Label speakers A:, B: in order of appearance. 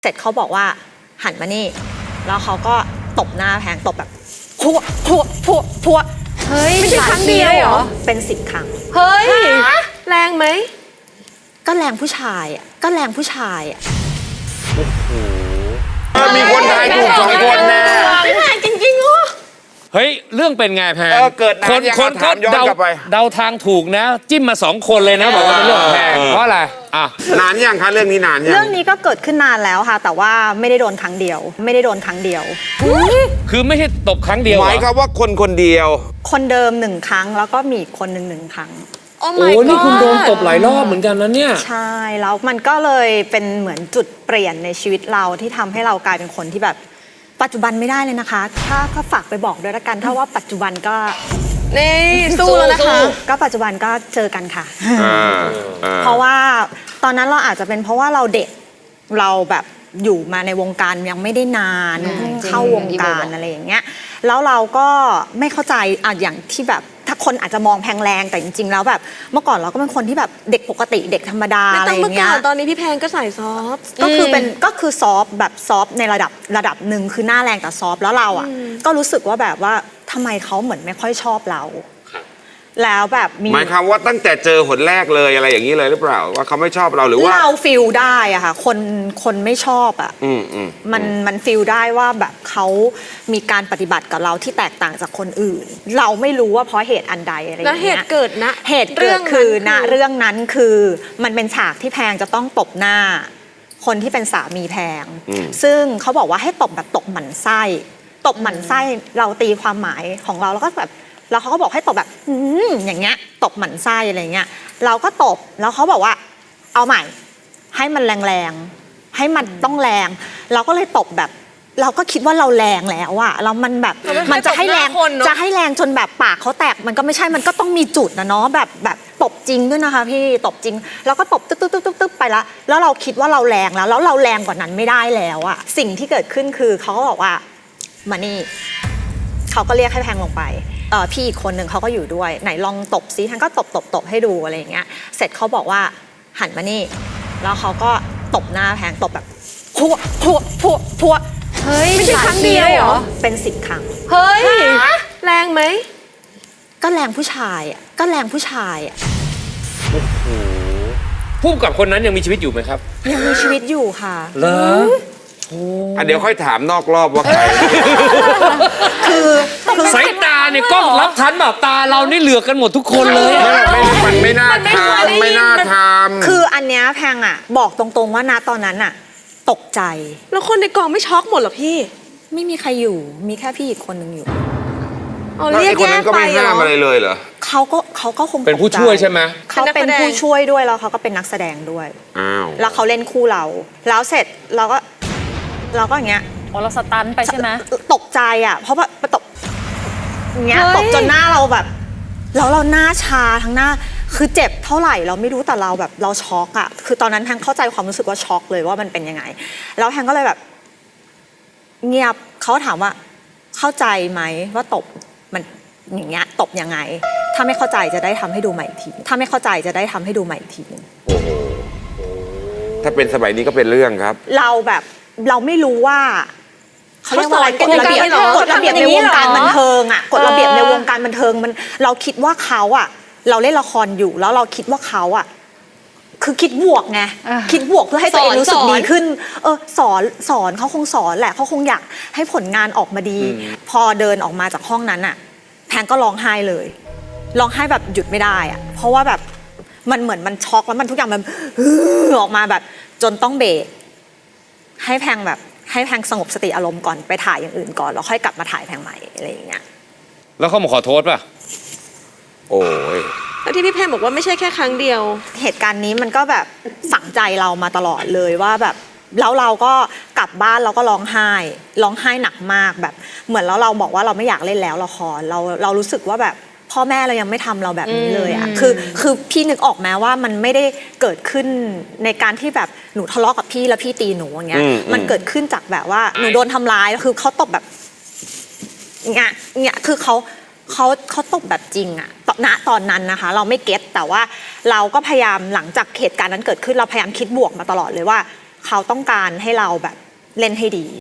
A: เสร็จเขาบอกว่าหันมานี่แล้วเขาก็ตบหน้าแพงตบแบบพัวพัวพัวพัว
B: เฮ้ยไม่ใช่ครั้งเดียวเหรอ
A: เป็น10 ครั้ง
B: เฮ้ยแรงไหม
A: ก็แรงผู้ชายอ่ะก็แรงผู้ชายอ่ะ
C: มีคนทายถูก2 คนแน่
A: ไม่แรงจริงๆเหรอ
D: เฮ้ยเรื่องเป็นไงแพง
C: เกิดนานยัง
D: คนเขาเดาทางถูกนะจิ้มมา2 คนเลยนะบอกว่าเป็นเรื่องแพงเพราะอะไรอ่ะ
C: นานยังคะเรื่องนี้นานยัง
A: เรื่องนี้ก็เกิดขึ้นนานแล้วค่ะแต่ว่าไม่ได้โดนครั้งเดียวไม่ได้โดนครั้งเดียว
D: คือไม่ใช่ตบครั้งเดียว
C: หมายความว่าคนเดียว
A: คนเดิม1 ครั้งแล้วก็มีอีกคนหนึ่ง1 ครั้ง
D: โอ้นี่คุณโดนตบหลายรอบเหมือนกันนะเนี่ย
A: ใช่แล้วมันก็เลยเป็นเหมือนจุดเปลี่ยนในชีวิตเราที่ทำให้เรากลายเป็นคนที่แบบปัจจุบันไม่ได้เลยนะคะถ้าฝากไปบอกด้วยละกันถ้าว่าปัจจุบันก็
B: นี่สู้แล้วนะคะ
A: ก็ปัจจุบันก็เจอกันค่ะเพราะว่าตอนนั้นเราอาจจะเป็นเพราะว่าเราเด็กเราแบบอยู่มาในวงการยังไม่ได้นานเข้าวงการอะไรอย่างเงี้ยแล้วเราก็ไม่เข้าใจอย่างที่แบบถ้าคนอาจจะมองแพงแรงแต่จริงๆแล้วแบบเมื่อก่อนเราก็เป็นคนที่แบบเด็กปกติเด็กธรรมดาอะไรอย่างเงี้ย
B: ตอนนี้พี่แพงก็ใส่ซอฟ
A: ก็คือซอฟแบบซอฟในระดับหนึ่งคือหน้าแรงแต่ซอฟแล้วเราอ่ะก็รู้สึกว่าแบบว่าทำไมเขาเหมือนไม่ค่อยชอบเราแล้วแบบ
C: หมายความว่าตั้งแต่เจอหนแรกเลยอะไรอย่างนี้เลยหรือเปล่าว่าเขาไม่ชอบเราหรือว่า
A: เราฟีลได้อะค่ะคนไม่ชอบอะมันฟีลได้ว่าแบบเขามีการปฏิบัติกับเราที่แตกต่างจากคนอื่นเราไม่รู้ว่าเพราะเหตุอันใดอะไรอย่างเงี้ย
B: แล้วเหตุเกิดนะ
A: เหตุเกิดคือนะเรื่องนั้นคือมันเป็นฉากที่แพงจะต้องตบหน้าคนที่เป็นสามีแพงซึ่งเขาบอกว่าให้ตบแบบตบหมั่นไส้ตบหมั่นไส้เราตีความหมายของเราแล้วก็แบบแล้วเขาก็บอกให้ตบแบบอย่างเงี้ยตบหมั่นไส้อะไรเงี้ยเราก็ตบแล้วเขาบอกว่าเอาใหม่ให้มันแรงๆให้มันต้องแรงเราก็เลยตบแบบเราก็คิดว่าเราแรงแล้วอะแล้วมันแบบมันจะให้แรงจนแบบปากเขาแตกมันก็ไม่ใช่มันก็ต้องมีจุดนะเนาะแบบตบจริงด้วยนะคะพี่ตบจริงแล้วก็ตบตึ๊บไปแล้วเราคิดว่าเราแรงแล้วเราแรงกว่านั้นไม่ได้แล้วอะสิ่งที่เกิดขึ้นคือเขาก็บอกว่ามานี่เขาก็เรียกให้แพงลงไปพี่อีกคนหนึ่งเขาก็อยู่ด้วยไหนลองตบซิท่านก็ตบให้ดูอะไรอย่างเงี้ยเสร็จเขาบอกว่าหันมานี่แล้วเขาก็ตบหน้าแพงตบแบบพัวพัวพัวพัว
B: เฮ้ยไม่ใช่ครั้งเดียวเหรอ
A: เป็น10 ครั้ง
B: เฮ้ยแรงไหม
A: ก็แรงผู้ชายอ่ะก็แรงผู้ชายอ่ะ
D: ผู้กับคนนั้นยังมีชีวิตอยู่ไหมครับ
A: ยังมีชีวิตอยู่ค่ะ
D: เหรอ
C: เดี๋ยวค่อยถามนอกรอบว่าใคร
A: คือ
D: สายตาเนี่ยกล้องรับทันแบบตาเรานี่เหลือกกันหมดทุกคนเลย
C: มันไม่น่าทำ
A: คืออันเนี้ยแพงอ่ะบอกตรงๆว่าณตอนนั้นอ่ะตกใจ
B: แล้วคนในกองไม่ช็อกหมดเหรอพี่
A: ไม่มีใครอยู่มีแค่พี่อีกคนนึงอยู่
C: เรียกคนนั้นก็ไม่ห้ามอะไรเลยเหรอ
A: เขาก็คง
D: เป็นผู้ช่วยใช่ไหม
A: เขาเป็นผู้ช่วยด้วยแล้วเขาก็เป็นนักแสดงด้วยแล้วเขาเล่นคู่เราแล้วเสร็จเราก็อย่างเงี้ย
B: เราสตันไปใช่ไหม
A: ตกใจอ่ะเพราะว่าตกอย่างเงี้ยตกจนหน้าเราแบบแล้วเราหน้าชาทั้งหน้าคือเจ็บเท่าไหร่เราไม่รู้แต่เราแบบเราช็อกอ่ะคือตอนนั้นแพงเข้าใจความรู้สึกว่าช็อกเลยว่ามันเป็นยังไงแล้วแพงก็เลยแบบเงียบเขาถามว่าเข้าใจไหมว่าตบมันอย่างเงี้ยตบยังไงถ้าไม่เข้าใจจะได้ทำให้ดูใหม่อีกทีถ้าไม่เข้าใจจะได้ทำให้ดูใหม่อีกที
C: โอ้โหถ้าเป็นสมัยนี้ก็เป็นเรื่องครับ
A: เราไม่รู้ว่าเขาเรียกว่าอะไรกฎระเบียบในวงการบันเทิงอ่ะกฎระเบียบในวงการบันเทิงมันเราคิดว่าเขาอ่ะเราเล่นละครอยู่แล้วเราคิดว่าเขาอ่ะคือคิดบวกไงคิดบวกเพื่อให้ตัวเองรู้สึกดีขึ้นสอนเขาคงสอนแหละเขาคงอยากให้ผลงานออกมาดีพอเดินออกมาจากห้องนั้นอ่ะแพงก็ร้องไห้เลยร้องไห้แบบหยุดไม่ได้อ่ะเพราะว่าแบบมันเหมือนมันช็อกแล้วมันทุกอย่างมันออกมาแบบจนต้องเบรกให้แพงสงบสติอารมณ์ก่อนไปถ่ายอย่างอื่นก่อนแล้วค่อยกลับมาถ่ายแพงใหม่อะไรอย่างเงี้ย
D: แล้วเขามาขอโทษป่ะ
C: โอ้ย
B: แล้วที่พี่แพงบอกว่าไม่ใช่แค่ครั้งเดียว
A: เหตุการณ์นี้มันก็แบบฝังใจเรามาตลอดเลยว่าแบบแล้วเราก็กลับบ้านเราก็ร้องไห้หนักมากแบบเหมือนแล้วเราบอกว่าเราไม่อยากเล่นแล้วละครเรารู้สึกว่าแบบพ่อแม่เรายังไม่ทำเราแบบนี้เลยอ่ะคือพี่นึกออกไหมว่ามันไม่ได้เกิดขึ้นในการที่แบบหนูทะเลาะกับพี่แล้วพี่ตีหนูอย่างเงี้ยมันเกิดขึ้นจากแบบว่าหนูโดนทำร้ายคือเขาตบแบบเงี้ยคือเขาตบแบบจริงอะณตอนนั้นนะคะเราไม่เก็ตแต่ว่าเราก็พยายามหลังจากเหตุการณ์นั้นเกิดขึ้นเราพยายามคิดบวกมาตลอดเลยว่าเขาต้องการให้เราแบบเล่นให้ดี